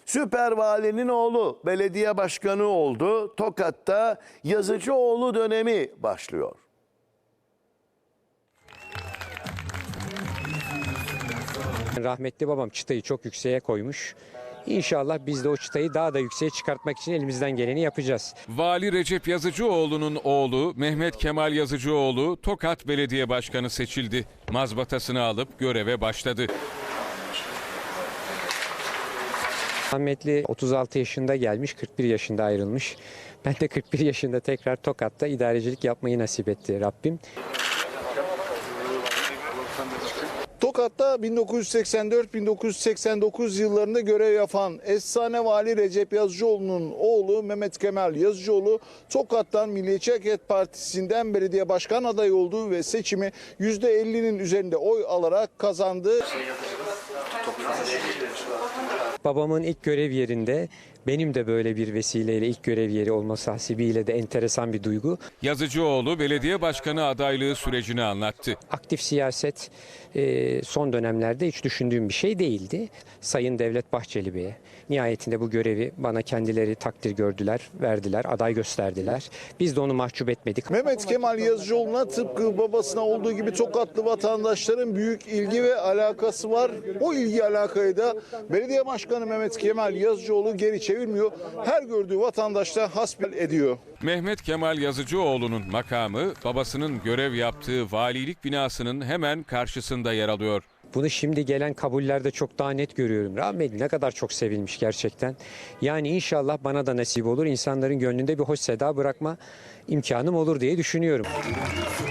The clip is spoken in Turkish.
Süper valinin oğlu belediye başkanı oldu. Tokat'ta Yazıcıoğlu dönemi başlıyor. Rahmetli babam çıtayı çok yükseğe koymuş. İnşallah biz de o çıtayı daha da yükseğe çıkartmak için elimizden geleni yapacağız. Vali Recep Yazıcıoğlu'nun oğlu Mehmet Kemal Yazıcıoğlu Tokat Belediye Başkanı seçildi. Mazbatasını alıp göreve başladı. Rahmetli 36 yaşında gelmiş, 41 yaşında ayrılmış. Ben de 41 yaşında tekrar Tokat'ta idarecilik yapmayı nasip etti Rabbim. Tokat'ta 1984-1989 yıllarında görev yapan efsane vali Recep Yazıcıoğlu'nun oğlu Mehmet Kemal Yazıcıoğlu Tokat'tan Milliyetçi Hareket Partisi'nden belediye başkan adayı oldu ve seçimi %50'nin üzerinde oy alarak kazandı. Babamın ilk görev yerinde benim de böyle bir vesileyle ilk görev yeri olması hasebiyle de enteresan bir duygu. Yazıcıoğlu belediye başkanı adaylığı sürecini anlattı. Aktif siyaset son dönemlerde hiç düşündüğüm bir şey değildi. Sayın Devlet Bahçeli Bey'e nihayetinde bu görevi bana kendileri takdir gördüler, verdiler, aday gösterdiler. Biz de onu mahcup etmedik. Mehmet Kemal Yazıcıoğlu'na tıpkı babasına olduğu gibi Tokatlı vatandaşların büyük ilgi ve alakası var. O ilgi alakayı da belediye başkanı Mehmet Kemal Yazıcıoğlu geri çevirmiyor. Her gördüğü vatandaşla hasbel ediyor. Mehmet Kemal Yazıcıoğlu'nun makamı babasının görev yaptığı valilik binasının hemen karşısında yer alıyor. Bunu şimdi gelen kabullerde çok daha net görüyorum. Rahmetli ne kadar çok sevilmiş gerçekten. Yani inşallah bana da nasip olur. İnsanların gönlünde bir hoş seda bırakma imkanım olur diye düşünüyorum.